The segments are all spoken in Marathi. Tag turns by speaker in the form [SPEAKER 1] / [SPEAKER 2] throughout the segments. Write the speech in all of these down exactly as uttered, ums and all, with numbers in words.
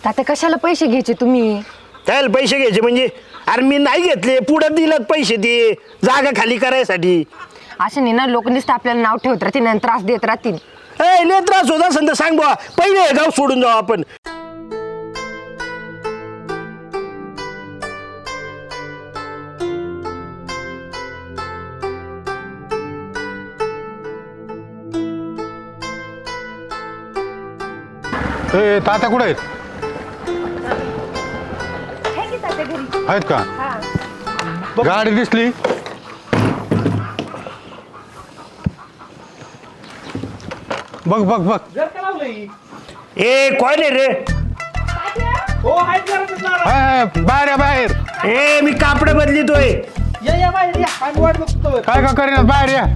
[SPEAKER 1] आता कशाला पैसे घ्यायचे तुम्ही?
[SPEAKER 2] त्याला पैसे घ्यायचे म्हणजे अरे मी नाही घेतले, पुढं दिलं पैसे ते जागा खाली करायसाठी.
[SPEAKER 1] असे नाही ना, लोक नुसतं आपल्याला नाव ठेवत राहतील आणि त्रास देत राहतील.
[SPEAKER 2] ए लय त्रास होत असेल तर सांग बुवा, पहिले हे गाव सोडून जाऊ आपण.
[SPEAKER 3] ए तात्या कुठे आहेत? आहेत का? गाडी दिसली? बघ बघ बघ.
[SPEAKER 2] ए कोण आहे रे?
[SPEAKER 3] हाय, हाय, बाहेर या बाहेर.
[SPEAKER 2] ए मी कापड बदलितोय.
[SPEAKER 3] काय का करीना, बाहेर या.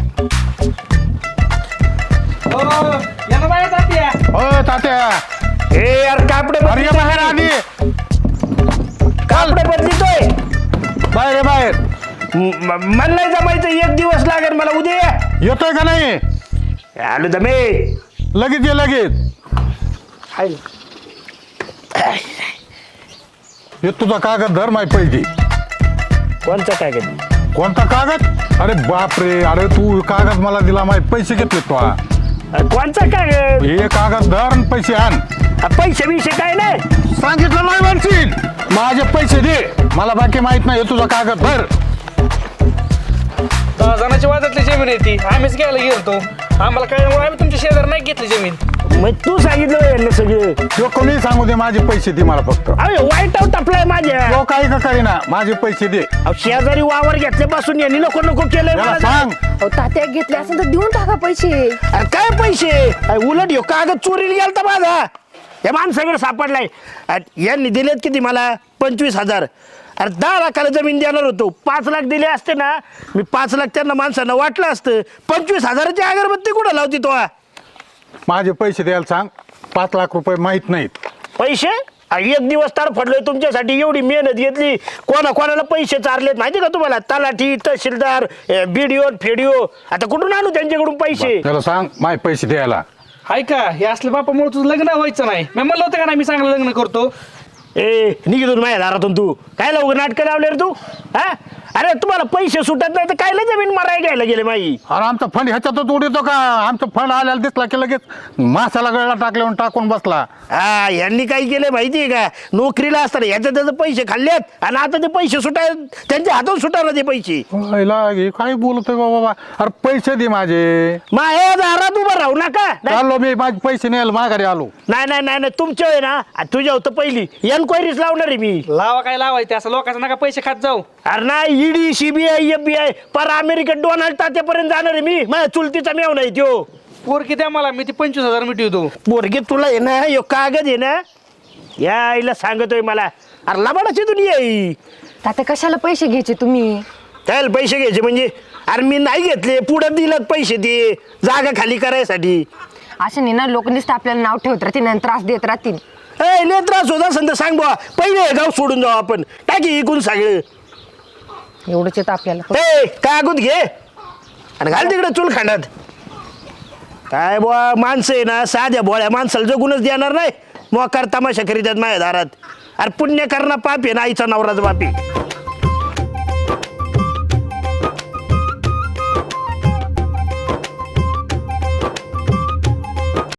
[SPEAKER 3] हो तात्या.
[SPEAKER 2] ए यार कापड
[SPEAKER 3] अरे या बाहेर आधी.
[SPEAKER 2] कापड बदलितोय.
[SPEAKER 3] बाहेर या बाहेर.
[SPEAKER 2] मला नाही जमायचं, एक दिवस लागेल मला. उद्या या.
[SPEAKER 3] येतोय का नाही?
[SPEAKER 2] आलो दमे.
[SPEAKER 3] लगेच ये लगेच. हे तुझा कागद धर, माय पैकी.
[SPEAKER 2] कोणचा कागद?
[SPEAKER 3] कोणता कागद? अरे बापरे, अरे तू कागद मला दिला, माय पैसे घेतले तो.
[SPEAKER 2] कोणचा कागद?
[SPEAKER 3] हे कागद धर आणि पैसे आण.
[SPEAKER 2] पैसे बिशे काय नाही
[SPEAKER 3] सांगितलं नाही म्हणशील. माझे पैसे दे, मला बाकी माहित नाही. हे तुझा कागद धर.
[SPEAKER 4] दहा जणांच्या वादातली जमीन आहे ती, आम्हीच घ्यायला गेलतो. आम्हाला कळल्यामुळे आम्ही तुमच्या शेजार नाही घेतली जमीन.
[SPEAKER 2] मग तू सांगितलं यांना सगळं.
[SPEAKER 3] तो कोणी सांगू दे, माझे पैसे दे मला फक्त.
[SPEAKER 2] अरे वाईट आऊट आपलाय माझ्या.
[SPEAKER 3] तो काही का करीना, माझे पैसे दे.
[SPEAKER 2] अहो, शेजारी वावर घेतल्यापासून यांनी नको नको केलंय
[SPEAKER 3] याला
[SPEAKER 2] मला.
[SPEAKER 3] सांग.
[SPEAKER 1] अहो, तात्या घेतले असेल तर देऊन टाका पैसे.
[SPEAKER 2] अरे काय पैसे? अरे उलट ह्यो कागद चोरीला गेलता माझा. या माणसाकडे सापडलाय. अरे यांनी दिलेत किती मला? पंचवीस हजार. अरे दहा लाखाला जमीन देणार होतो, पाच लाख दिले असते ना, मी पाच लाख त्यांना माणसांना वाटलं असतं. पंचवीस हजाराची अगरबत्ती कुठं लावती तो?
[SPEAKER 3] माझे पैसे द्यायला सांग. पाच लाख रुपये माहित नाहीत.
[SPEAKER 2] पैसे? अरे एक दिवस तार पडलोय तुमच्यासाठी, एवढी मेहनत घेतली, कोणा कोणाला पैसे चारलेत माहिती का तुम्हाला? तलाठी, तहसीलदार, बीडीओ, फेडिओ. आता कुठून आणू त्यांच्याकडून पैसे?
[SPEAKER 3] त्याला सांग माझे पैसे द्यायला.
[SPEAKER 4] हाय का, हे असल्या बापामुळे तुझं लग्न व्हायचं नाही. मी म्हणलं होतं का नाही, मी चांगलं लग्न करतो.
[SPEAKER 2] ए निघितून माझ्या दारातून तू काय लवकर नाटकं लावले रे तू? हा अरे तुम्हाला पैसे सुटत नाही तर कायला जमीन माराय घ्यायला गेले माई?
[SPEAKER 3] अरे आमचा फंड ह्याच्यातच उडतो का? आमचा फंड आल्याला दिसला की लगेच मासाला गळला टाकल्यावर टाकून बसला.
[SPEAKER 2] हा यांनी काय केलं माहितीये का? नोकरीला असताना ह्याच्या त्याचे पैसे खाल्लेत आणि आता ते पैसे सुटाय त्यांच्या हातून सुटायला ते पैसे.
[SPEAKER 3] काय बोलतोय बाबा? अरे पैसे दे माझे.
[SPEAKER 2] माझ्या दारात उभं राहू नका.
[SPEAKER 3] आलो मी, माझे पैसे न्यायला माघारी आलो.
[SPEAKER 2] नाही नाही नाही नाही तुमच्या आहे ना, तुझ्या होतं पहिली एन्क्वायरीच लावणार आहे मी.
[SPEAKER 4] लावा काय लावायचं, असं लोकांचं नका पैसे खात जाऊ.
[SPEAKER 2] अरे नाही, ईडी, सीबीआय, एफबीआय, पर अमेरिकेत डोनाल्ड तात्यापर्यंत जाणार आहे मी. माझ्या चुलतीचा मेव नाही त्यो.
[SPEAKER 4] पोरकी द्या मला, मी ती पंचवीस हजार मिटवतो.
[SPEAKER 2] पोरगी तुला आहे ना, यो कागद आहे ना, या आईला सांगतोय मला. अरे लबाडाची दुनिया आहे.
[SPEAKER 1] तात्या कशाला पैसे घ्यायचे तुम्ही?
[SPEAKER 2] त्याला पैसे घ्यायचे म्हणजे अरे मी नाही घेतले, पुढं दिलं पैसे ते जागा खाली करायसाठी.
[SPEAKER 1] असे नाही ना, लोक नुसतं आपल्याला नाव ठेवत राहतील आणि त्रास देत राहतील.
[SPEAKER 2] ए लय त्रास होत असेल तर सांग बुवा, पहिले हे गाव सोडून जाऊ आपण. टाकी इकून सगळं.
[SPEAKER 1] एवढंच येतं आपल्याला.
[SPEAKER 2] ए कागद घे आणि घाल तिकडे चूल खांडात. काय बुवा माणसं आहे ना, साध्या भोळ्या माणसाला जगूनच देणार नाही. मोकार तमाशा करीतात माझ्या दारात. अरे पुण्य करणं पाप आहे ना, आईचा नवराचा बापी.